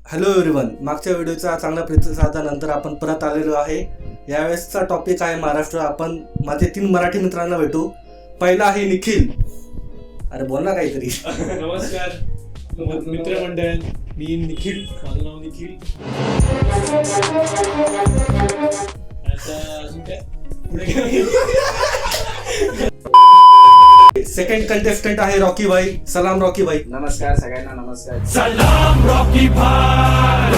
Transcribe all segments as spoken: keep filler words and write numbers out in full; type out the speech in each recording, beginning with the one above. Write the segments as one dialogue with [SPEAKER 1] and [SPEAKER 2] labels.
[SPEAKER 1] Hello everyone, मागच्या व्हिडिओचा चांगला प्रतिसादानंतर आपण परत आलेलो आहे. यावेळेसचा टॉपिक आहे महाराष्ट्र. आपण माझे तीन मराठी मित्रांना भेटू. पहिला आहे निखिल. अरे बोल ना काहीतरी.
[SPEAKER 2] नमस्कार मित्रमंडळ, मी निखिल, माझं नाव निखिल. आता अजून काय पुढे काय?
[SPEAKER 1] सेकंड कंटेस्टंट आहे रॉकी भाई. सलाम रॉकी भाई.
[SPEAKER 3] नमस्कार सगळ्यांना. नमस्कार.
[SPEAKER 2] सलाम रॉकी भाई.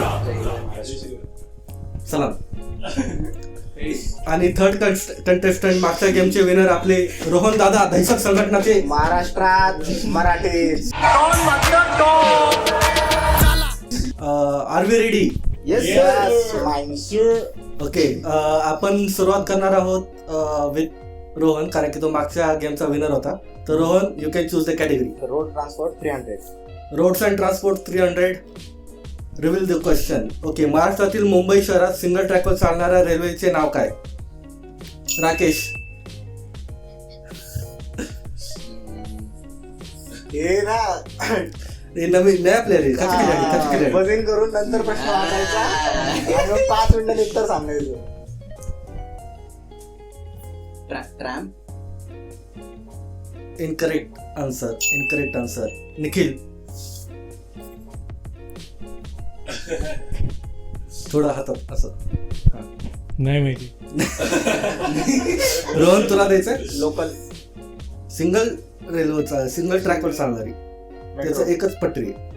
[SPEAKER 1] सलाम. आणि थर्ड कंटेस्टंट मागच्या गेमचे विनर आपले रोहन दादा, दहशत संघटनाचे.
[SPEAKER 3] महाराष्ट्रात Marathi.
[SPEAKER 1] Are we ready?
[SPEAKER 3] Yes sir.
[SPEAKER 1] Okay, आपण सुरुवात करणार आहोत विथ रोहन, कारण की तो मागच्या गेमचा विनर होता. तर Rohan, you can choose the category.
[SPEAKER 3] Road transport three hundred.
[SPEAKER 1] Roads and transport three hundred. Reveal the question. Okay, महाराष्ट्रातील मुंबई शहरात सिंगल ट्रॅकवर चालणाऱ्या रेल्वेचे नाव काय? राकेश.
[SPEAKER 3] हे ना
[SPEAKER 1] हे नवीन नया प्लेअर आहे. कच्ची केली आहे, कच्ची केली आहे.
[SPEAKER 3] वजन करून नंतर प्रश्न वाचायचा आणि मग पाच मिनिटांनी उत्तर सांगायचं. Tram.
[SPEAKER 1] Incorrect answer. Incorrect answer. Nikhil. थोडं हातात असं.
[SPEAKER 2] नाही माहिती.
[SPEAKER 1] रोहन, तुला द्यायचंय?
[SPEAKER 3] लोकल.
[SPEAKER 1] सिंगल रेल्वेचा सिंगल ट्रॅकवर चालणारी, त्याचं एकच पटरी आहे.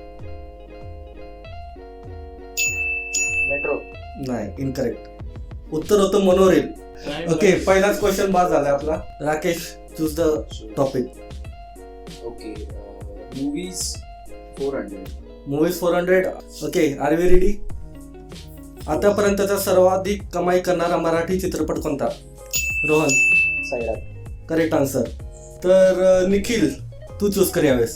[SPEAKER 3] मेट्रो.
[SPEAKER 1] नाही, इनकरेक्ट. उत्तर होतं मोनोरेल. ओके, पहिलाच क्वेश्चन बाद झाला आपला. Rakesh, choose the topic.
[SPEAKER 3] Okay. Movies four hundred.
[SPEAKER 1] Movies four hundred. Okay, are we ready? आतापर्यंतचा सर्वाधिक कमाई करणारा मराठी चित्रपट कोणता? रोहन.
[SPEAKER 3] सैराट.
[SPEAKER 1] Correct answer. तर निखिल, तू चूज कर यावेळेस.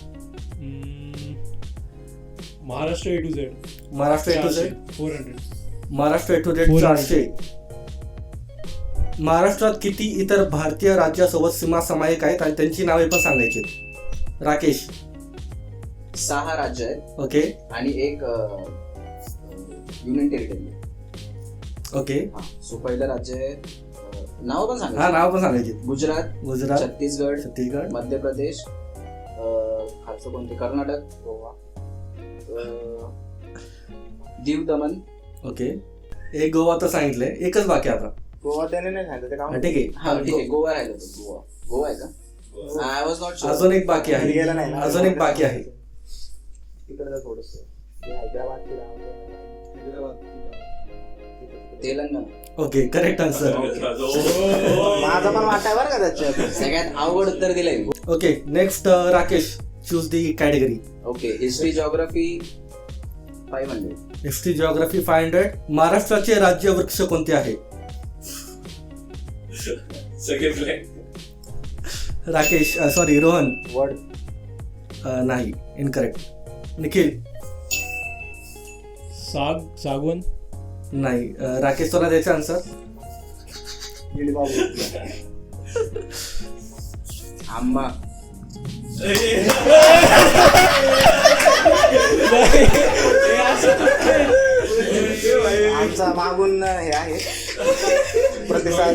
[SPEAKER 2] Maharashtra A to Z.
[SPEAKER 1] Maharashtra A to Z.
[SPEAKER 2] Four hundred.
[SPEAKER 1] Maharashtra A to Z चारशे. महाराष्ट्रात किती इतर भारतीय राज्यासोबत सीमा समायिक आहेत आणि त्यांची नावे पण सांगायची? राकेश.
[SPEAKER 3] सहा राज्य आहेत.
[SPEAKER 1] ओके.
[SPEAKER 3] आणि एक युनियन टेरिटरी.
[SPEAKER 1] ओके.
[SPEAKER 3] सो पहिलं राज्य आहे, नाव पण
[SPEAKER 1] हा,
[SPEAKER 3] सांगायचं.
[SPEAKER 1] नाव पण सांगायची.
[SPEAKER 3] गुजरात.
[SPEAKER 1] गुजरात.
[SPEAKER 3] छत्तीसगड.
[SPEAKER 1] छत्तीसगड.
[SPEAKER 3] मध्य प्रदेश. खालचं कोणते? कर्नाटक. गोवा. दीव दमन.
[SPEAKER 1] ओके, एक गोवा तर सांगितलंय, एकच बाकी आता.
[SPEAKER 3] गोवा त्याने नाही सांगितलं ते
[SPEAKER 1] हा,
[SPEAKER 3] काम.
[SPEAKER 1] ठीक
[SPEAKER 3] हा ठीक आहे.
[SPEAKER 1] आहे.
[SPEAKER 3] गोवा राहिलं होतं. गोवा. गोवा आहे का? I was not sure.
[SPEAKER 1] अजून एक बाकी आहे.
[SPEAKER 3] गेला नाही ना.
[SPEAKER 1] अजून एक बाकी आहे.
[SPEAKER 3] तिकडे थोडस Hyderabad. Telangana.
[SPEAKER 1] Okay, correct answer.
[SPEAKER 3] माझा पण वाटा बरं का त्याच्यात. सगळ्यात अवघड उत्तर दिलंय.
[SPEAKER 1] Okay, next Rakesh, choose the category.
[SPEAKER 3] Okay. History geography five hundred.
[SPEAKER 1] History geography five hundred. महाराष्ट्राचे राज्य वृक्ष कोणते आहे? राकेश, सॉरी रोहन.
[SPEAKER 3] वर्ड.
[SPEAKER 1] नाही, इनकरेक्ट. निखिल.
[SPEAKER 2] साग सागवन.
[SPEAKER 1] नाही. राकेश, तुला द्यायचा आन्सर?
[SPEAKER 3] आंबा. आमचा मागून हे आहे प्रतिसाद.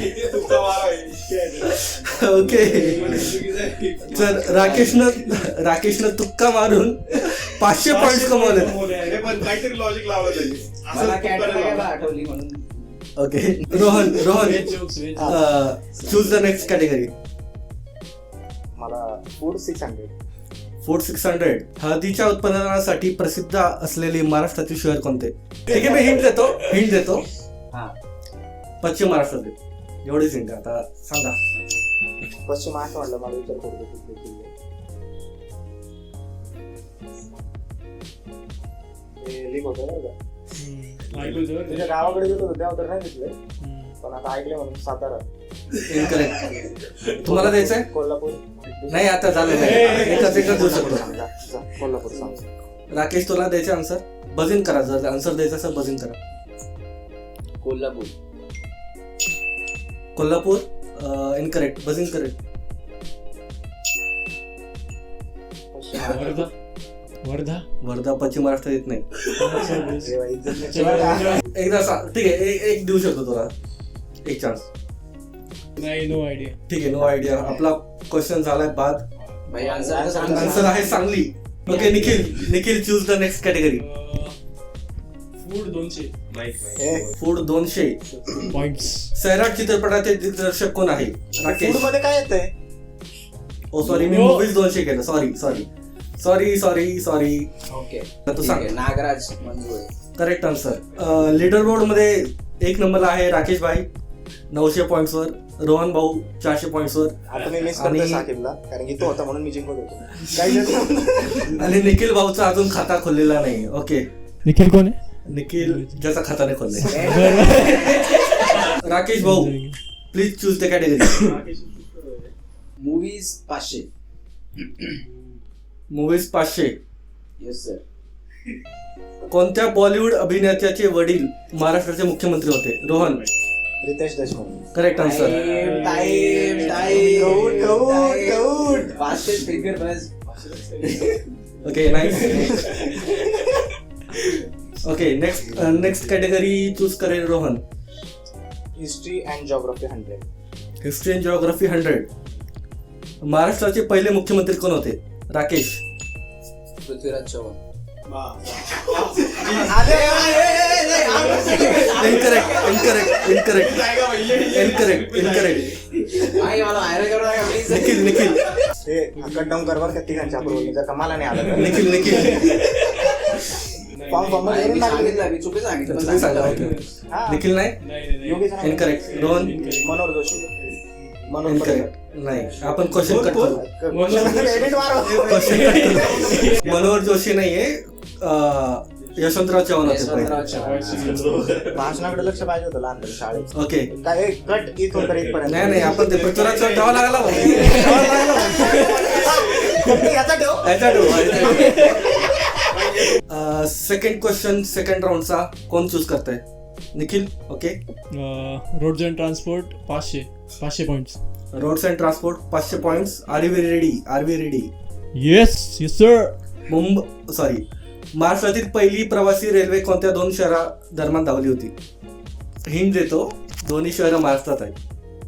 [SPEAKER 1] ओके, तर राकेशनं राकेशनं तुक्का मारून पाचशे पॉइंट कमवले.
[SPEAKER 4] काहीतरी लॉजिक लावलं पाहिजे.
[SPEAKER 3] मला कॅटरीना आठवली म्हणून.
[SPEAKER 1] Okay, Rohan. Rohan, choose the next category.
[SPEAKER 3] मला food six hundred.
[SPEAKER 1] Food six hundred. हळदीच्या उत्पादनासाठी प्रसिद्ध असलेले महाराष्ट्रातील शहर कोणते? ठीक आहे, मी हिंट देतो. हिंट देतो
[SPEAKER 3] हा.
[SPEAKER 1] पश्चिम महाराष्ट्रातील. एवढीच हिंट. आता सांगा.
[SPEAKER 3] पश्चिम महाराष्ट्र म्हटलं मला विचार करतो. लीक होतं ना का? तुझ्या गावाकडे गेलो होतो तेव्हा तर नाही दिसलंय, पण आता ऐकलं म्हणून सातारा.
[SPEAKER 1] इनकरेक्ट. तुम्हाला द्यायचंय?
[SPEAKER 3] कोल्हापूर.
[SPEAKER 1] नाही, आता झालं नाही. एकच एकच देऊ शकतो.
[SPEAKER 3] कोल्हापूर सांग.
[SPEAKER 1] राकेश, तुला द्यायचं आन्सर? बजिंग करा. जर आन्सर द्यायचं असेल बजिंग करा.
[SPEAKER 3] Kolhapur.
[SPEAKER 1] Kolhapur. Incorrect. Buzzing correct.
[SPEAKER 2] Wardha.
[SPEAKER 1] Wardha पश्चिम महाराष्ट्रात येत नाही.
[SPEAKER 3] अरे बाई, इज्जत नाही बघा.
[SPEAKER 1] एकदा सा- ठीक आहे एक एक देऊ शकतो तुला एक चान्स.
[SPEAKER 2] नाही, नो आयडिया.
[SPEAKER 1] ठीक आहे नो आयडिया. आपला क्वेश्चन झालाय बाद.
[SPEAKER 5] भाई आन्सर तर सांग.
[SPEAKER 1] आन्सर आहे Sangli. Okay Nikhil Nikhil choose the next category.
[SPEAKER 2] Food दोनशे
[SPEAKER 3] ए,
[SPEAKER 1] फूड दोनशे.
[SPEAKER 2] पॉइंट्स.
[SPEAKER 1] सैराट चित्रपटाचे दिग्दर्शक कोण आहे? राकेश.
[SPEAKER 3] फूड मध्ये काय येतंय?
[SPEAKER 1] ओ सॉरी मी
[SPEAKER 2] हो.
[SPEAKER 1] मूवीज दोनशे केलं. Sorry sorry sorry sorry sorry
[SPEAKER 5] okay
[SPEAKER 1] तू
[SPEAKER 5] ठीक
[SPEAKER 1] सांग.
[SPEAKER 5] आहे. Nagraj Manjule.
[SPEAKER 1] Correct answer. Leader board मध्ये एक नंबरला आहे राकेश भाई नऊशे पॉइंट्स वर. रोहन भाऊ चारशे पॉइंट्स वर.
[SPEAKER 3] आता मी मिस
[SPEAKER 1] आणि-
[SPEAKER 3] करतोय साकिबला कारण की तो होता म्हणून मी जिंकत होतो. काही नाही.
[SPEAKER 1] आणि निखिल भाऊचा अजून खाता खोललेला नाही. ओके
[SPEAKER 2] निखिल कोण आहे?
[SPEAKER 1] निखिल ज्याचा खाता नाही खोलले. राकेश भाऊ please choose the category.
[SPEAKER 5] Movies पाचशे.
[SPEAKER 1] मूवीज पाचशे.
[SPEAKER 5] Yes sir.
[SPEAKER 1] कोणत्या बॉलिवूड अभिनेत्याचे वडील महाराष्ट्राचे मुख्यमंत्री होते? Rohan.
[SPEAKER 3] Riteish Deshmukh.
[SPEAKER 1] Correct answer.
[SPEAKER 5] Time time time.
[SPEAKER 3] कौट, कौट, कौट.
[SPEAKER 5] पाचशे फिगर बस.
[SPEAKER 1] Okay nice. Okay next next category choose करेल Rohan.
[SPEAKER 3] History and geography hundred.
[SPEAKER 1] History and geography hundred. महाराष्ट्राचे पहिले मुख्यमंत्री कोण होते? Rakesh.
[SPEAKER 5] Prithviraj Chavan.
[SPEAKER 1] Incorrect incorrect incorrect incorrect incorrect.
[SPEAKER 5] आई मला व्हायरल करू नका प्लीज.
[SPEAKER 1] निखिल निखिल
[SPEAKER 3] ते हक्कत डाऊन करवर का तिघांच्या बरोबर जर का मला नाही आलं तर
[SPEAKER 1] निखिल निखिल
[SPEAKER 3] फॉर्म फॉर्म
[SPEAKER 5] नाही, मी
[SPEAKER 3] मध्ये
[SPEAKER 5] सांगितलं मी चुकी सांगितलं पण
[SPEAKER 1] तुम्ही सांगा.
[SPEAKER 5] सांगितलं.
[SPEAKER 3] हा.
[SPEAKER 1] निखिल नाही.
[SPEAKER 2] नाही नाही
[SPEAKER 3] योगेश राणे.
[SPEAKER 1] इनकरेक्ट. रोहन.
[SPEAKER 3] मनोहर जोशी. मनोहर
[SPEAKER 1] इनकरेक्ट नाही. आपण क्वेश्चन कट करू.
[SPEAKER 3] एडिट मारो.
[SPEAKER 1] क्वेश्चन कट करू. मनोहर जोशी नाहीये. अं, यशवंतराव चव्हाण होते
[SPEAKER 5] यशवंतराव
[SPEAKER 1] पहिले.
[SPEAKER 5] चव्हाण.
[SPEAKER 3] भाषणाकडे लक्ष पाहिजे होतं लहानपणी शाळेत.
[SPEAKER 1] ओके
[SPEAKER 3] काय एक कट इथून तर इथपर्यंत.
[SPEAKER 1] नाही नाही आपण ते पृथ्वीराज चव्हाण ठेवा लागला भाऊ. ठेवावं लागला भाऊ.
[SPEAKER 3] याचा ठेव.
[SPEAKER 1] याचा ठेव. सेकंड क्वेश्चन सेकंड राऊंडचा कोण चूज करताय? Nikhil. Okay.
[SPEAKER 2] Roads and transport पाचशे पाचशे पॉइंट्स.
[SPEAKER 1] रोड्स अँड ट्रान्सपोर्ट पाचशे points. Are we ready? Are we ready?
[SPEAKER 2] Yes yes sir.
[SPEAKER 1] Mumbai sorry महाराष्ट्रातील पहिली प्रवासी रेल्वे कोणत्या दोन शहरा दरम्यान धावली होती? हिंट देतो. दोन्ही शहरं महाराष्ट्रात आहेत.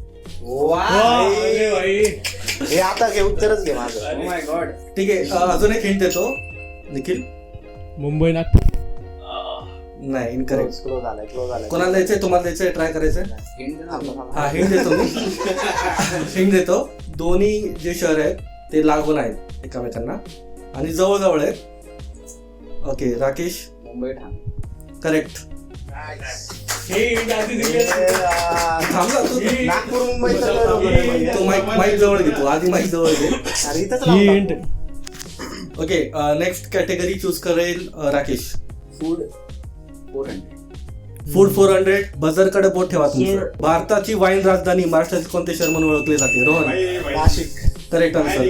[SPEAKER 2] अरे भाई.
[SPEAKER 3] हे आता घे उत्तरच घे माझं.
[SPEAKER 5] Oh my God.
[SPEAKER 1] ठीक आहे. अं, अजून एक हिंट देतो. निखिल.
[SPEAKER 2] मुंबई नागपूर.
[SPEAKER 1] नाही इनकरेक्ट.
[SPEAKER 3] क्लोज झालाय क्लोज झालाय.
[SPEAKER 1] कोणाला द्यायचंय? तुम्हाला द्यायचंय? ट्राय करायचंय?
[SPEAKER 5] Hint दे ना.
[SPEAKER 1] हा हिंट देतो मी. हिंट देतो. दोन्ही जे शहर आहेत ते लागून आहेत एकमेकांना आणि जवळजवळ आहेत. ओके राकेश.
[SPEAKER 5] मुंबई ठाणे.
[SPEAKER 1] करेक्ट.
[SPEAKER 2] हे hint आधी दिले.
[SPEAKER 1] थांबला तू.
[SPEAKER 3] नागपूर मुंबई तर
[SPEAKER 1] तू माईक माईक जवळ घे. तू आधी माईक जवळ घे.
[SPEAKER 3] अरे इथंच
[SPEAKER 2] ही
[SPEAKER 3] लावून
[SPEAKER 2] hint.
[SPEAKER 3] टाकू.
[SPEAKER 1] ओके नेक्स्ट कॅटेगरी चूज करेल um, Rakesh.
[SPEAKER 5] Food four hundred.
[SPEAKER 1] Food four hundred. बझरकडे बोट ठेवा तुमचं.
[SPEAKER 2] Sir.
[SPEAKER 1] भारताची वाईन राजधानी महाराष्ट्रातील कोणते शहर म्हणून ओळखले जाते? Rohan.
[SPEAKER 3] Nashik.
[SPEAKER 1] Correct answer.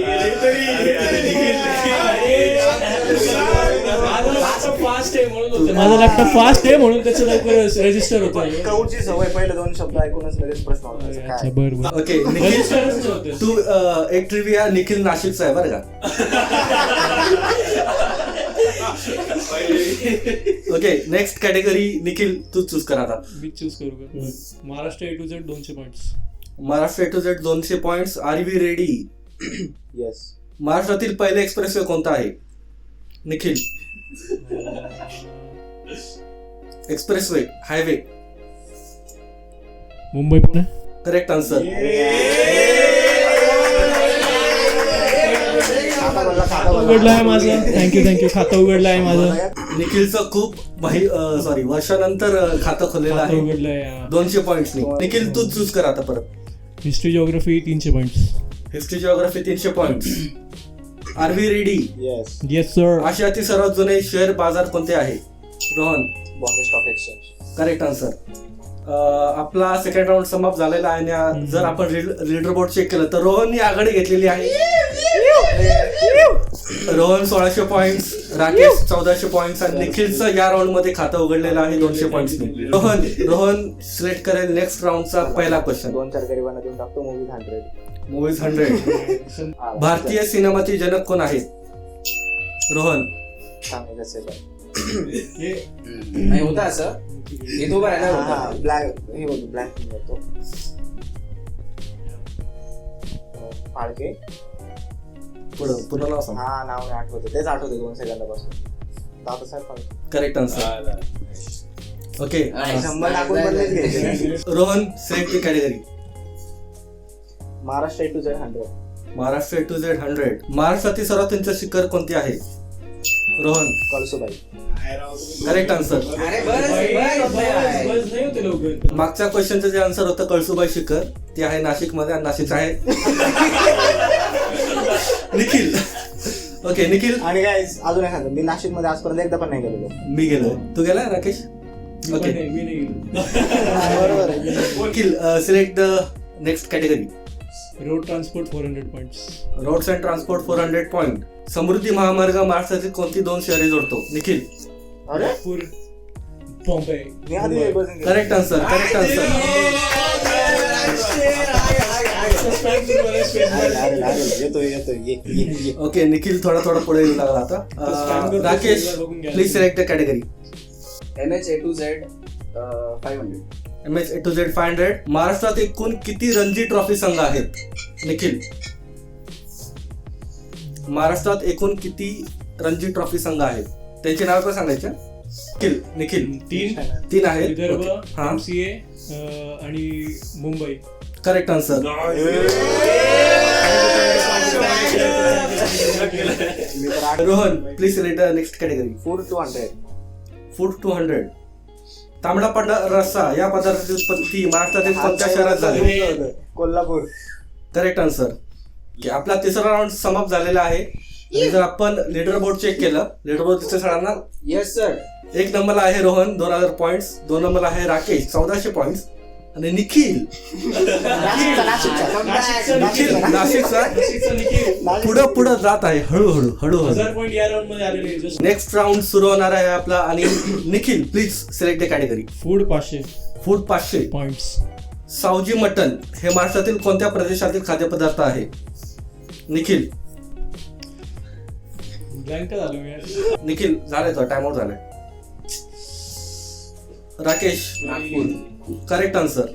[SPEAKER 2] Fast आहे म्हणून होतं. माझा लॅपटॉप फास्ट आहे म्हणून त्याचं लवकर रजिस्टर होतं.
[SPEAKER 3] कौची सवय पहिले दोन शब्द ऐकूनच लगेच प्रश्न होता
[SPEAKER 2] अच्छा
[SPEAKER 3] काय.
[SPEAKER 2] बरं बरं.
[SPEAKER 1] ओके निखिल
[SPEAKER 2] रजिस्टरच होतं.
[SPEAKER 1] तू अं, एक ट्रिव्हिया निखिल नाशिकचा आहे बरं का. ओके नेक्स्ट कॅटेगरी निखिल तू चूज कर आता.
[SPEAKER 2] मी चूज करू का? महाराष्ट्र ए टू झेड दोनशे points.
[SPEAKER 1] Maharashtra A to Z दोनशे points. Are we ready?
[SPEAKER 3] Yes.
[SPEAKER 1] महाराष्ट्रातील पहिले एक्सप्रेसवे कोणता आहे? Nikhil. Expressway highway.
[SPEAKER 2] Mumbai Pune.
[SPEAKER 1] Correct answer.
[SPEAKER 2] उघडलं आहे माझं. Thank you thank you. खातं उघडलं आहे माझं.
[SPEAKER 1] निखिलचं खूप सॉरी वर्षानंतर अं, खातं खोललेलं
[SPEAKER 2] खातं
[SPEAKER 1] आहे
[SPEAKER 2] उघडलं आहे.
[SPEAKER 1] दोनशे पॉइंट्स. निखिल तू चूज कर आता परत.
[SPEAKER 2] हिस्ट्री जिओग्राफी तीनशे पॉइंट्स.
[SPEAKER 1] हिस्ट्री जिओग्राफी तीनशे points. Are we ready?
[SPEAKER 3] Yes.
[SPEAKER 2] Yes sir.
[SPEAKER 1] आशियातील सर्वात जुने शेअर बाजार कोणते आहे? Rohan.
[SPEAKER 3] Bombay stock exchange.
[SPEAKER 1] Correct answer. आपला सेकंड राऊंड समाप्त झालेला आहे आणि जर आपण लीडर बोर्ड चेक केलं तर रोहननी आघाडी घेतलेली आहे. रोहन सोळाशे पॉइंट्स, राकेश चौदाशे पॉइंट्स आणि निखिलचं या राऊंड मध्ये खातं उघडलेलं आहे दोनशे पॉइंट्स. रोहन रोहन सिलेक्ट करेल नेक्स्ट राऊंडचा पहिला क्वेश्चन.
[SPEAKER 3] दोन चार गरिबांना देऊन टाकतो मूवी हंड्रेड.
[SPEAKER 1] Movies hundred. भारतीय सिनेमाचे जनक कोण आहेत? रोहन.
[SPEAKER 3] सांग कसं पण
[SPEAKER 2] हे
[SPEAKER 5] नाही होतं असं हे तो बघायला होता
[SPEAKER 3] ब्लॅक हे बघ ब्लॅक करतो फाळके
[SPEAKER 1] पुढं पुन्हा नाव सांग.
[SPEAKER 3] हा नाव नाही आठवतं तेच आठवते दोन सेकंदापासून Dadasaheb Phalke
[SPEAKER 1] correct answer. Okay
[SPEAKER 3] शंभर टाकून पण नाहीच घ्यायचे.
[SPEAKER 1] Rohan select the category.
[SPEAKER 3] Maharashtra A to Z hundred
[SPEAKER 1] Maharashtra A to Z hundred. महाराष्ट्रातील सर्वात उंच शिखर कोणते आहे? रोहन
[SPEAKER 3] कळसुबाई.
[SPEAKER 1] Correct answer.
[SPEAKER 5] अरे बस
[SPEAKER 2] बस
[SPEAKER 5] बस
[SPEAKER 2] बस बस नाही होते लवकर.
[SPEAKER 1] मागच्या क्वेश्चनचं जे आन्सर होतं कळसुबाई शिखर ते आहे नाशिक मध्ये आणि नाशिकचं आहे निखिल. ओके निखिल
[SPEAKER 3] आणि काय अजून एक सांगतो मी नाशिक मध्ये आजपर्यंत एकदा पण नाही गेलेलो.
[SPEAKER 1] मी गेलोय. तू गेलाय राकेश?
[SPEAKER 2] मी पण
[SPEAKER 1] ओके
[SPEAKER 2] नाही, मी नाही गेलो.
[SPEAKER 3] बरोबर आहे.
[SPEAKER 1] Nikhil select the next category.
[SPEAKER 2] Road transport four hundred points.
[SPEAKER 1] Roads and transport four hundred point. Samruddhi Mahamarg महाराष्ट्रातील कोणती दोन शहरे जोडतो? निखिल.
[SPEAKER 3] अरे
[SPEAKER 2] नागपूर, बॉम्बे.
[SPEAKER 3] मी आधी
[SPEAKER 2] मुंबई.
[SPEAKER 3] बसून गेलो.
[SPEAKER 1] Correct answer. Correct answer.
[SPEAKER 3] अरे, अरे, अरे, येतोय येतोय ये ये ये.
[SPEAKER 1] ओके निखिल थोडा थोडा पुढे येऊ लागला आता.
[SPEAKER 2] Spam
[SPEAKER 1] अं,
[SPEAKER 2] करतो,
[SPEAKER 1] राकेश
[SPEAKER 2] शेजार बघून घ्या.
[SPEAKER 1] Please select the category.
[SPEAKER 5] M H A to Z five hundred.
[SPEAKER 1] M H A to Z five hundred. महाराष्ट्रात एकूण किती रणजी ट्रॉफी संघ आहेत? निखिल. महाराष्ट्रात एकूण किती रणजी ट्रॉफी संघ आहेत? त्यांची नाव पण सांगायचे. निखिल. निखिल
[SPEAKER 2] तीन.
[SPEAKER 1] तीन आहेत.
[SPEAKER 2] विदर्भ,
[SPEAKER 1] हा
[SPEAKER 2] एमसीए आणि मुंबई.
[SPEAKER 1] Correct answer.
[SPEAKER 3] मी तर आठ-
[SPEAKER 1] Rohan please select the next category.
[SPEAKER 3] Food two hundred.
[SPEAKER 1] Food two hundred. तांबडा पांढरा रस्सा या पदार्थाची उत्पत्ती महाराष्ट्रातील कोणत्या शहरात झाली?
[SPEAKER 3] कोल्हापूर.
[SPEAKER 1] Correct answer. की आपला तिसरा राऊंड समाप्त झालेला आहे. आणि जर आपण लीडर बोर्ड चेक केलं लीडर बोर्ड तिथे सगळ्यांना
[SPEAKER 5] येस सर.
[SPEAKER 1] एक नंबरला आहे रोहन दोन हजार पॉइंट्स. दोन नंबरला आहे राकेश चौदाशे पॉइंट्स आणि निखिल
[SPEAKER 3] नाशिकचा, नाशिकचा.
[SPEAKER 1] निखिल नाशिकचा
[SPEAKER 2] नाशिकचा निखिल.
[SPEAKER 1] पुढं पुढं जात आहे हळूहळू हळूहळू.
[SPEAKER 2] हजार पॉईंट या राऊंड मध्ये आलेले. जस्ट
[SPEAKER 1] नेक्स्ट राऊंड सुरू होणार आहे आपला. आणि Nikhil please select the category.
[SPEAKER 2] Food पाचशे
[SPEAKER 1] फूड पाचशे.
[SPEAKER 2] पॉइंट्स.
[SPEAKER 1] सावजी मटन हे महाराष्ट्रातील कोणत्या प्रदेशातील खाद्यपदार्थ आहे? निखिल.
[SPEAKER 2] ब्लँक झालो मी यार.
[SPEAKER 1] निखिल झालंय तो टाइम आउट झालाय. Rakesh.
[SPEAKER 5] Nagpur.
[SPEAKER 1] Correct answer.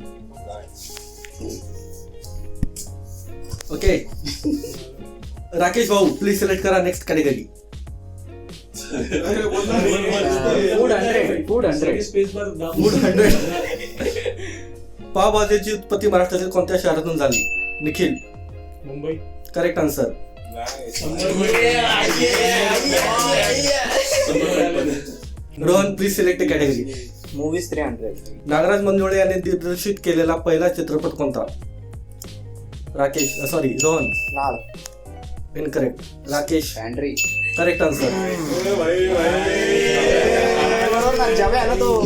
[SPEAKER 1] Okay Rakesh भाऊ प्लीज सिलेक्ट करा next category.
[SPEAKER 5] Food hundred. Food hundred.
[SPEAKER 2] Space bar
[SPEAKER 1] food hundred. पावभाजीची उत्पत्ती महाराष्ट्रातील कोणत्या शहरातून झाली? Nikhil.
[SPEAKER 2] Mumbai.
[SPEAKER 1] Correct answer. Rohan please select category.
[SPEAKER 3] Movies three hundred.
[SPEAKER 1] Nagraj Manjule यांनी दिग्दर्शित केलेला पहिला चित्रपट कोणता? Rakesh sorry Rohan.
[SPEAKER 3] Naal.
[SPEAKER 1] Incorrect. Rakesh.
[SPEAKER 5] Pantry.
[SPEAKER 1] Correct answer.
[SPEAKER 3] बरोबर ना जावे ना तो.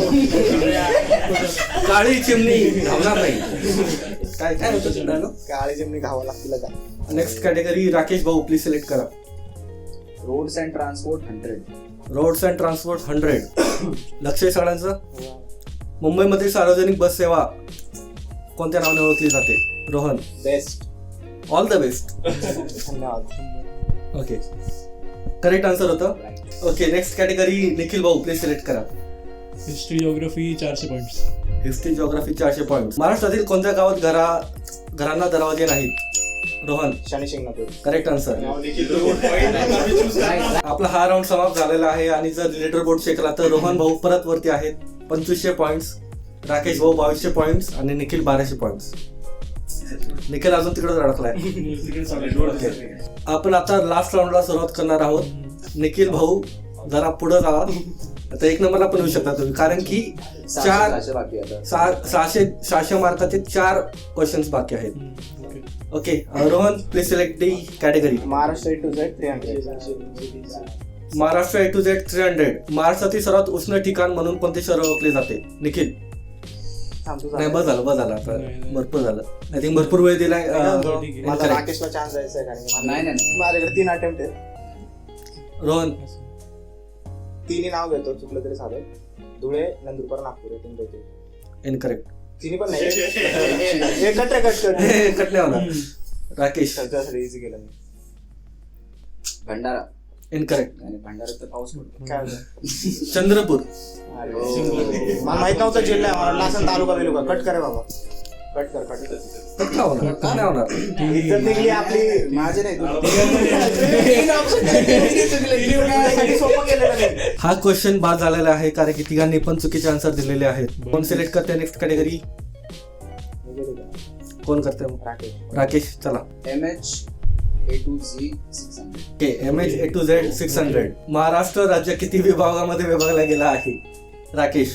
[SPEAKER 1] काळी चिमणी धावणार नाही. काय काय होतं डायलॉग?
[SPEAKER 3] काळी चिमणी खावा लागतील का?
[SPEAKER 1] नेक्स्ट कॅटेगरी राकेश भाऊ प्लीज सिलेक्ट करा.
[SPEAKER 5] Roads and transport hundred.
[SPEAKER 1] Roads and transport hundred. लक्ष आहे सगळ्यांचं. मुंबईमधील सार्वजनिक बस सेवा कोणत्या नावाने ओळखली जाते? Rohan.
[SPEAKER 3] Best.
[SPEAKER 1] All the best.
[SPEAKER 3] धन्यवाद.
[SPEAKER 1] ओके करेक्ट आन्सर होतं. ओके नेक्स्ट कॅटेगरी निखिल भाऊ प्लीज सिलेक्ट करा.
[SPEAKER 2] हिस्ट्री जिओग्राफी चारशे पॉइंट्स.
[SPEAKER 1] हिस्ट्री जिओग्राफी चारशे पॉईंट. महाराष्ट्रातील कोणत्या गावात घरा घरांना दरवाजे नाहीत? रोहन.
[SPEAKER 3] शनी शिंगणापूर.
[SPEAKER 1] Correct answer. आपला हा राऊंड समाप्त झालेला आहे. आणि जर लीडर बोर्ड चेक केला तर रोहन भाऊ परत वरती आहेत पंचवीसशे पॉईंट्स. राकेश भाऊ बावीसशे पॉईंट्स आणि निखिल बाराशे पॉईंट्स. निखिल अजून तिकडे अडकलाय. आपण आता लास्ट राऊंडला सुरुवात करणार आहोत. निखिल भाऊ जरा पुढे जावा. आता एक नंबरला पण येऊ शकता तुम्ही कारण की चार
[SPEAKER 5] सहाशे बाकी आता.
[SPEAKER 1] सहा- सहाशे सहाशे मार्काचे चार क्वेश्चन्स बाकी आहेत. Okay Rohan please select the category.
[SPEAKER 3] Maharashtra A to Z three hundred.
[SPEAKER 1] Maharashtra A to Z three hundred. महाराष्ट्रातील सर्वात उष्ण ठिकाण म्हणून कोणते शहर ओळखले जाते? निखिल. नाही बस झालं बस झालं आता भरपूर झालं. आय थिंक भरपूर वेळ दिलाय.
[SPEAKER 2] आहे.
[SPEAKER 3] मला
[SPEAKER 1] Correct.
[SPEAKER 3] राकेशला चान्स द्यायचा आहे कारण की
[SPEAKER 5] नाही नाही नाही.
[SPEAKER 3] माझ्याकडे तीन अटेम्प्ट आहेत.
[SPEAKER 1] रोहन.
[SPEAKER 3] तिन्ही नाव घेतो चुकलं तरी चालेल. धुळे, नंदुरबार, नागपूर आहे तीन पैकी.
[SPEAKER 1] इनकरेक्ट.
[SPEAKER 3] तिन्ही पण नाही. हे कट रे कट कट.
[SPEAKER 1] कट नाही होणार. राकेश.
[SPEAKER 3] सगळ्यासाठी इझी केलं मी.
[SPEAKER 5] भंडारा.
[SPEAKER 1] इनकरेक्ट.
[SPEAKER 5] आणि भंडाऱ्यात तर पाऊस पडतो.
[SPEAKER 3] काय होतं?
[SPEAKER 1] चंद्रपूर.
[SPEAKER 3] अरे, मला माहित नव्हतं जिल्हा आहे. मला वाटलं असं तालुका बिलुका. कट करे बाबा, कट कर कट कर.
[SPEAKER 1] तर काय होणार, काय नाही होणार.
[SPEAKER 3] इज्जत निघली आपली.
[SPEAKER 5] माझे नाही तुझी.
[SPEAKER 3] साठी सोपं केलेलं नाही.
[SPEAKER 1] हा क्वेश्चन बाद झालेला आहे कारण की तिघांनी पण चुकीचे आन्सर दिलेले आहेत. कोण सिलेक्ट करते नेक्स्ट कॅटेगरी? कोण करते मग?
[SPEAKER 3] राकेश.
[SPEAKER 1] राकेश, चला.
[SPEAKER 5] M H A to Z six hundred.
[SPEAKER 1] Okay, M H A to Z six hundred. Maharashtra राज्य किती विभागामध्ये विभागला गेला आहे? राकेश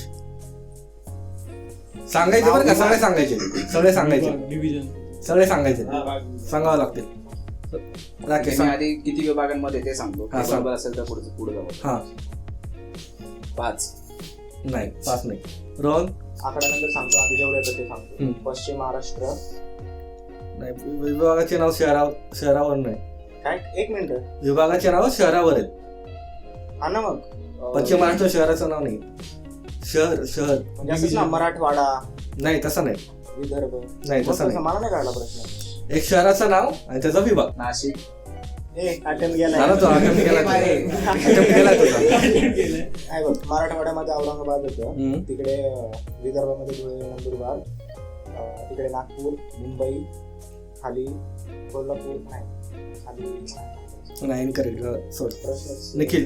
[SPEAKER 1] सांगायचे बरं का, सगळे सांगायचे, सगळे सांगायचे,
[SPEAKER 2] डिव्हिजन.
[SPEAKER 1] सगळे सांगायचे, सांगावं लागतील. राकेश
[SPEAKER 5] मी
[SPEAKER 1] सांग.
[SPEAKER 5] आधी किती विभागांमध्ये ते सांगतो.
[SPEAKER 1] हा, सांग.
[SPEAKER 5] बरोबर असेल तर पुढे पुढे जाऊ.
[SPEAKER 1] हा,
[SPEAKER 5] पाच.
[SPEAKER 1] नाही पाच नाही. रोहन?
[SPEAKER 3] आकड्यानंतर सांगतो. आधी जेवढं येतं ते सांगतो.
[SPEAKER 1] हम्म.
[SPEAKER 3] पश्चिम महाराष्ट्र.
[SPEAKER 1] नाही, विभागाचे नाव शहरा शहरावर नाही.
[SPEAKER 3] काय एक मिनिट.
[SPEAKER 1] विभागाचे नाव शहरावर आहेत.
[SPEAKER 3] हा ना मग.
[SPEAKER 1] पश्चिम महाराष्ट्र शहराचं नाव नाही. शहर शहर
[SPEAKER 3] म्हणजे असंच ना, मराठवाडा,
[SPEAKER 1] नाही, तसं नाही.
[SPEAKER 3] विदर्भ.
[SPEAKER 1] नाही,
[SPEAKER 3] मग
[SPEAKER 1] तसं नाही.
[SPEAKER 3] मला नाही कळला प्रश्न.
[SPEAKER 1] एक शहराचं नाव आणि त्याचा विभाग.
[SPEAKER 5] नाशिक.
[SPEAKER 3] ए अटेम्प्ट
[SPEAKER 1] झाला तो
[SPEAKER 3] गेला.
[SPEAKER 1] attempt केला तुझा. attempt केला तुझा.
[SPEAKER 3] काय बघ, मराठवाड्यामध्ये औरंगाबाद होतं.
[SPEAKER 1] हम्म.
[SPEAKER 3] तिकडे अं, विदर्भामध्ये धुळे, नंदुरबार, अं, तिकडे नागपूर, मुंबई, खाली कोल्हापूर. नाही, खाली
[SPEAKER 1] नाही, इनकरेक्ट. सोड.
[SPEAKER 3] प्रश्न.
[SPEAKER 1] Nikhil.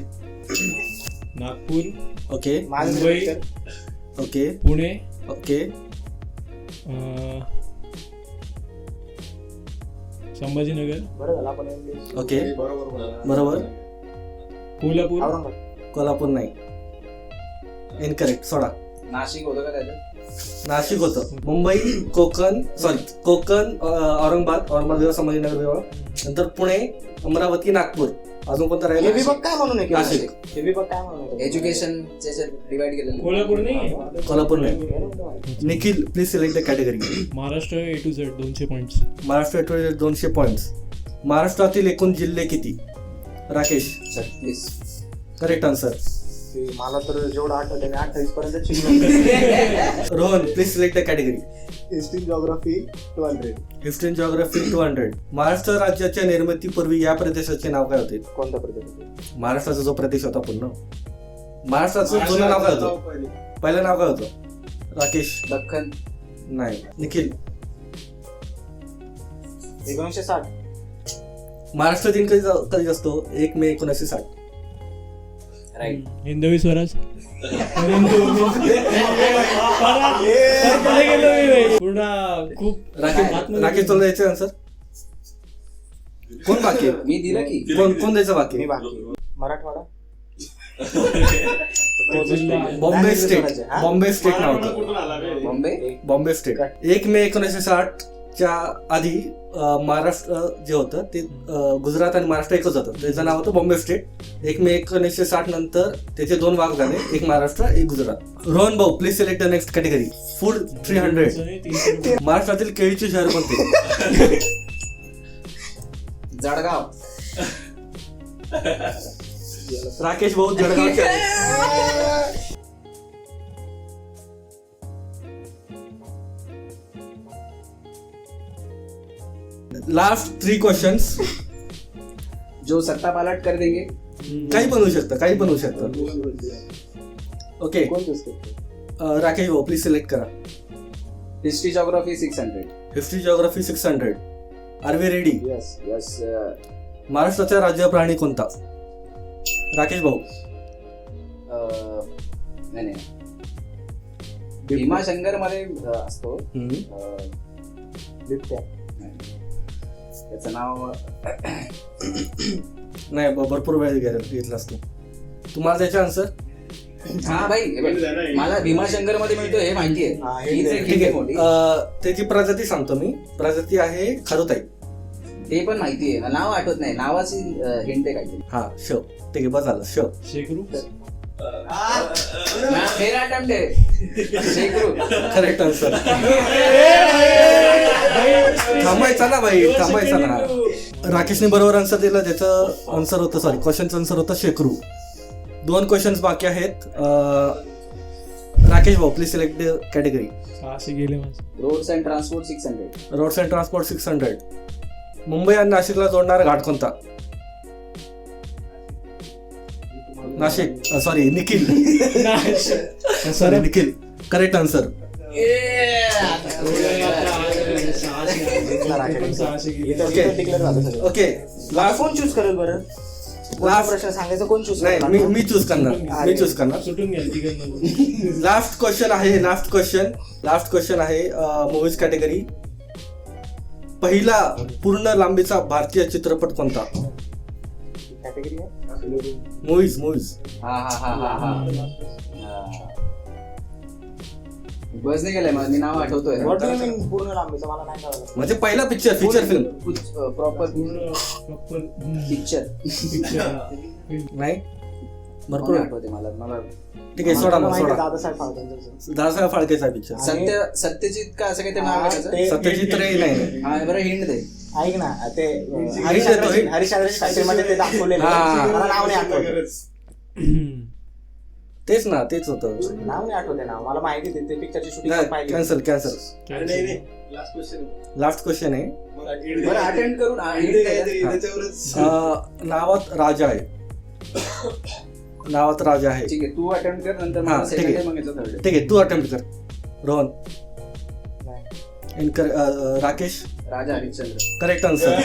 [SPEAKER 2] Nagpur,
[SPEAKER 1] okay
[SPEAKER 2] Mumbai,
[SPEAKER 1] okay
[SPEAKER 2] Pune,
[SPEAKER 1] okay
[SPEAKER 2] um, Sambhajinagar,
[SPEAKER 3] बरं झालं आपण इंग्लिश.
[SPEAKER 1] ओके
[SPEAKER 4] बरोबर
[SPEAKER 1] बरोबर.
[SPEAKER 2] कोल्हापूर,
[SPEAKER 3] औरंगाबाद.
[SPEAKER 1] कोल्हापूर नाही, इनकरेक्ट. सोडा.
[SPEAKER 5] नाशिक होतं का त्याच्यात?
[SPEAKER 1] नाशिक होतं. मुंबई, कोकण, सॉरी कोकण, अं, औरंगाबाद, औरंगाबाद विभाग, संभाजीनगर विभाग, नंतर पुणे, अमरावती, नागपूर. अजून कोणता
[SPEAKER 3] हे
[SPEAKER 1] राहिला?
[SPEAKER 3] विभाग काय म्हणून आहे?
[SPEAKER 1] नाशिक.
[SPEAKER 3] हे विभाग काय म्हणून आहे?
[SPEAKER 5] एज्युकेशन डिवाइड केलेलं.
[SPEAKER 2] कोल्हापूर नाही.
[SPEAKER 1] कोल्हापूर नाही. Nikhil, please select the category.
[SPEAKER 2] Maharashtra A to Z दोनशे पॉईंट्स.
[SPEAKER 1] महाराष्ट्र दोनशे पॉईंट्स. महाराष्ट्रातील एकूण जिल्हे किती? राकेश.
[SPEAKER 5] छत्तीस.
[SPEAKER 1] Correct answer.
[SPEAKER 3] ते मला तर जेवढं आठवतं मी अठ्ठावीस पर्यंत शिकलो.
[SPEAKER 1] Rohan, please select the category.
[SPEAKER 3] History, geography two hundred.
[SPEAKER 1] History and geography two hundred. Maharashtra राज्याच्या निर्मितीपूर्वी या प्रदेशाचे नाव काय होते?
[SPEAKER 3] कोणता प्रदेश?
[SPEAKER 1] महाराष्ट्राचा जो प्रदेश होता पूर्ण, महाराष्ट्राचं जुनं नाव काय होतं? पहिलं नाव काय होतं? राकेश.
[SPEAKER 5] दख्खन.
[SPEAKER 1] नाही. निखिल.
[SPEAKER 3] एकोणीसशे साठ.
[SPEAKER 1] महाराष्ट्र दिन कधी जा- कधी असतो? एक मे एकोणीसशे साठ.
[SPEAKER 5] राईट.
[SPEAKER 2] हिंदवी स्वराज. पूर्ण खूप
[SPEAKER 1] राकेश राकेश तुला द्यायचं आन्सर? कोण बाकी आहे?
[SPEAKER 5] मी दिलं की.
[SPEAKER 1] कोण कोण द्यायचं बाकी
[SPEAKER 3] मी
[SPEAKER 1] आहे?
[SPEAKER 3] बाकी. मराठवाडा.
[SPEAKER 1] Bombay state.
[SPEAKER 3] हा?
[SPEAKER 1] बॉम्बे स्टेट नाव होतं.
[SPEAKER 4] कुठून आला रे?
[SPEAKER 5] बॉम्बे.
[SPEAKER 1] बॉम्बे स्टेट. एक मे एकोणीसशे साठ च्या आधी अं, महाराष्ट्र जे होतं ते अं, गुजरात आणि महाराष्ट्र एकच होतं. त्याचं नाव होतं बॉम्बे स्टेट. एक मे एकोणीसशे साठ नंतर त्याचे दोन भाग झाले, एक महाराष्ट्र एक गुजरात. रोहन भाऊ, please select the next category. Food three hundred. महाराष्ट्रातील केळीचे शहर कोणते?
[SPEAKER 5] जळगाव.
[SPEAKER 1] राकेश भाऊ जळगावचे आहे. Last three questions.
[SPEAKER 5] जो सत्ता पालट कर देंगे.
[SPEAKER 1] काही पण होऊ शकतं, काही पण होऊ शकतं. ओके,
[SPEAKER 3] कोण चूज करतो?
[SPEAKER 1] अं, राकेश भाऊ प्लीज सिलेक्ट करा.
[SPEAKER 5] History geography six hundred.
[SPEAKER 1] History geography six hundred. Are we ready?
[SPEAKER 3] Yes.
[SPEAKER 5] Yes.
[SPEAKER 1] महाराष्ट्राचा राज्य प्राणी कोणता? राकेश भाऊ.
[SPEAKER 5] नाही नाही. भीमाशंकर मध्ये अं, असतो.
[SPEAKER 1] हम्म.
[SPEAKER 5] अं,
[SPEAKER 3] बिबट्या.
[SPEAKER 5] त्याचं नाव
[SPEAKER 1] नाही, ब- भरपूर वेळ घे- घेतला असतो. तुम्हाला त्याचे आन्सर?
[SPEAKER 5] हा भाई हे बघ, मला भीमाशंकर मध्ये मिळतो हे माहिती
[SPEAKER 3] हा,
[SPEAKER 5] आहे.
[SPEAKER 3] हे
[SPEAKER 5] हीच
[SPEAKER 3] दे.
[SPEAKER 5] एक
[SPEAKER 1] ठीक
[SPEAKER 5] हिंदी
[SPEAKER 1] आहे.
[SPEAKER 5] मोठी.
[SPEAKER 1] अं, त्याची प्रजाती सांगतो मी. प्रजाती आहे खरुताई.
[SPEAKER 5] ते पण माहिती आहे. नाव आठवत नाही. नावाची हिंट आहे काहीतरी.
[SPEAKER 1] हा, श. ठीक आहे, बस झालं. श.
[SPEAKER 2] शेकरू.
[SPEAKER 5] ना, फेर अटेम्प्ट आहे. शेकरू.
[SPEAKER 1] Correct answer. थांबायचा ना भाई, थांबायचा ना. राकेशने बरोबर आन्सर दिलं. त्याचं आन्सर होतं, सॉरी क्वेश्चनचं आन्सर होतं शेकरू. दोन क्वेश्चन्स बाकी आहेत. अं, राकेश भाऊ प्लीज सिलेक्ट द कॅटेगरी.
[SPEAKER 2] सहाशे गेले माझे.
[SPEAKER 5] Roads and transport six hundred.
[SPEAKER 1] Roads and transport six hundred. Mumbai आणि नाशिकला जोडणारा घाट कोणता? Nashik sorry Nikhil
[SPEAKER 2] Nashik.
[SPEAKER 1] Sorry Nikhil correct answer. Okay.
[SPEAKER 3] Declare झालं सगळं.
[SPEAKER 1] ओके लास्ट
[SPEAKER 3] कोण चूज करेल बरं?
[SPEAKER 1] Last-
[SPEAKER 3] प्रश्न सांगायचं कोण चूज
[SPEAKER 1] नाही मी मी चूज करणार मी चूज करणार.
[SPEAKER 2] सुटून घ्या तिकडनं.
[SPEAKER 1] लास्ट क्वेश्चन आहे लास्ट क्वेश्चन लास्ट क्वेश्चन आहे मूवीज कॅटेगरी. पहिला पूर्ण लांबीचा भारतीय चित्रपट कोणता?
[SPEAKER 3] कॅटेगरी आहे.
[SPEAKER 1] मूवीज मूवीज
[SPEAKER 5] हा हा हा हा हा बस नाही गेलाय मला, मी नाव आठवतोय.
[SPEAKER 3] What do you mean पूर्ण लांबीचं? मला नाही कळलं.
[SPEAKER 1] म्हणजे पहिला पिक्चर फीचर फिल्म
[SPEAKER 5] प्रॉपर
[SPEAKER 2] पूर्ण प्रॉपर
[SPEAKER 5] पिक्चर
[SPEAKER 1] नाही भरपूर आहे.
[SPEAKER 5] आठवते मला मला
[SPEAKER 1] ठीक आहे सोडा
[SPEAKER 3] मला
[SPEAKER 1] मग
[SPEAKER 3] माहिती आहे
[SPEAKER 1] सोडा.
[SPEAKER 3] दादासाहेब फाळकेंचं.
[SPEAKER 1] दादासाहेब फाळकेचा पिक्चर.
[SPEAKER 5] सत्य सत्यजित का असं काही नाव आहे त्याचं?
[SPEAKER 3] ते-
[SPEAKER 1] सत्यजित रे नाही
[SPEAKER 5] हा बरं हिंड दे.
[SPEAKER 3] ऐक ना ते
[SPEAKER 1] देतो,
[SPEAKER 3] हरिश्चंद्र
[SPEAKER 1] हे.
[SPEAKER 3] हरिश्चंद्रची फॅक्टरीमध्ये ते दाखवलेलं
[SPEAKER 1] हा.
[SPEAKER 3] आहे. मला नाव नाही आठवत.
[SPEAKER 1] तेच ना तेच होतं.
[SPEAKER 3] नाव नाही आठवते ना मला माहिती आहे ते पिक्चरची शूटिंग पाहिजे.
[SPEAKER 1] Cancel cancel.
[SPEAKER 4] Last question
[SPEAKER 1] last question आहे.
[SPEAKER 5] बरं अटेंड करून हा, hint द्या.
[SPEAKER 4] त्याच्यावरच
[SPEAKER 1] अं, नावात राजा आहे. नावात राजा आहे.
[SPEAKER 5] ठीक आहे तू अटेम्प्ट कर नंतर
[SPEAKER 1] हा,
[SPEAKER 5] मला
[SPEAKER 1] ठीक
[SPEAKER 5] सेकंड
[SPEAKER 1] आहे.
[SPEAKER 5] मग याचं third.
[SPEAKER 1] ठीक आहे तू अटेम्प्ट कर रोहन.
[SPEAKER 3] नाही.
[SPEAKER 1] इनकर अं, राकेश
[SPEAKER 5] राजा हरिश्चंद्र.
[SPEAKER 1] Correct answer.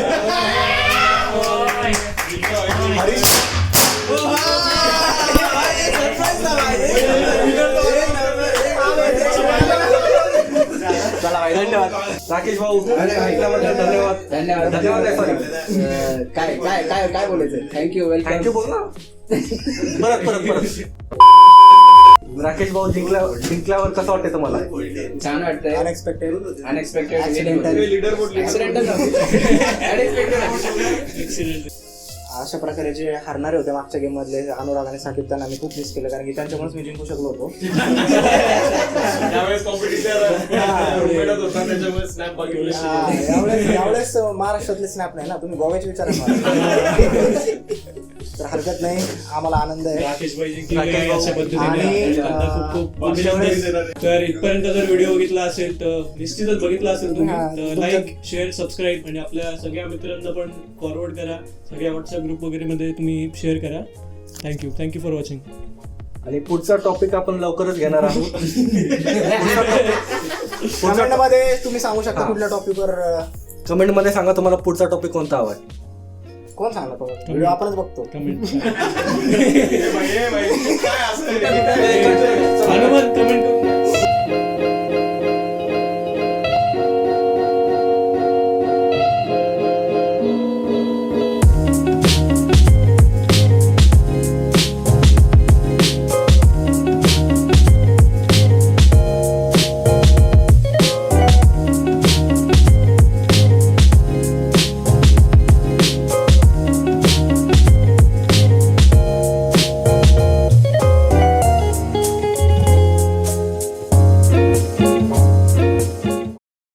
[SPEAKER 3] चला भाई धन्यवाद.
[SPEAKER 1] राकेश भाऊ ऐकल्याबद्दल धन्यवाद.
[SPEAKER 5] धन्यवाद
[SPEAKER 1] धन्यवाद आहे, sorry.
[SPEAKER 5] अं, काय काय काय काय बोलायचं थँक्यू वेलकम.
[SPEAKER 1] थँक्यू बोल ना. परत परत परत. राकेश भाऊ जिंकल्या जिंकल्यावर कसं वाटतं तुम्हाला?
[SPEAKER 5] छान वाटतंय.
[SPEAKER 3] Unexpected
[SPEAKER 5] unexpected
[SPEAKER 3] Accidental.
[SPEAKER 4] Leader board
[SPEAKER 5] accidental unexpected.
[SPEAKER 3] अशा प्रकारे जे हारणारे होते मागच्या गेम मधले अनुराग आणि साकिब त्यांना मी खूप मिस केलं कारण की त्यांच्यामुळेच मी जिंकू शकलो होतो.
[SPEAKER 4] त्यावेळेस कॉम्पिटिशन होता त्याच्यामुळे स्नॅप बघितले.
[SPEAKER 3] हा, यावेळेस यावेळेस महाराष्ट्रातले स्नॅप नाही ना तुम्ही गोव्याचे विचार मला. तर हरकत नाही आम्हाला आनंद आहे.
[SPEAKER 2] राकेश भाई
[SPEAKER 1] राकेश
[SPEAKER 2] जिंकले
[SPEAKER 1] भाऊ.
[SPEAKER 2] अशा पद्धतीने
[SPEAKER 3] आणि,
[SPEAKER 2] त्यांना
[SPEAKER 3] अं,
[SPEAKER 2] खूप खूप
[SPEAKER 3] पुढच्या वेळेस-
[SPEAKER 2] अभिनंदन. तर इथपर्यंत जर व्हिडिओ बघितला असेल तर निश्चितच बघितला असेल तुम्ही
[SPEAKER 3] हा,
[SPEAKER 2] तर
[SPEAKER 3] तुमच्या-
[SPEAKER 2] लाईक शेअर सबस्क्राईब आणि आपल्या सगळ्या मित्रांना पण फॉरवर्ड करा. सगळ्या व्हॉट्सअप ग्रुप वगैरे मध्ये तुम्ही शेअर करा. Thank you thank you for watching.
[SPEAKER 1] आणि पुढचा टॉपिक आपण लवकरच घेणार आहोत.
[SPEAKER 3] कमेंट मध्ये तुम्ही सांगू शकता
[SPEAKER 1] हा.
[SPEAKER 3] कुठल्या टॉपिकवर
[SPEAKER 1] कमेंट मध्ये सांगा तुम्हाला पुढचा टॉपिक कोणता हवाय.
[SPEAKER 3] कोण सांगला व्हिडिओ आपणच बघतो.
[SPEAKER 2] कमेंट
[SPEAKER 4] हे बाई, हे बाई, काय असतं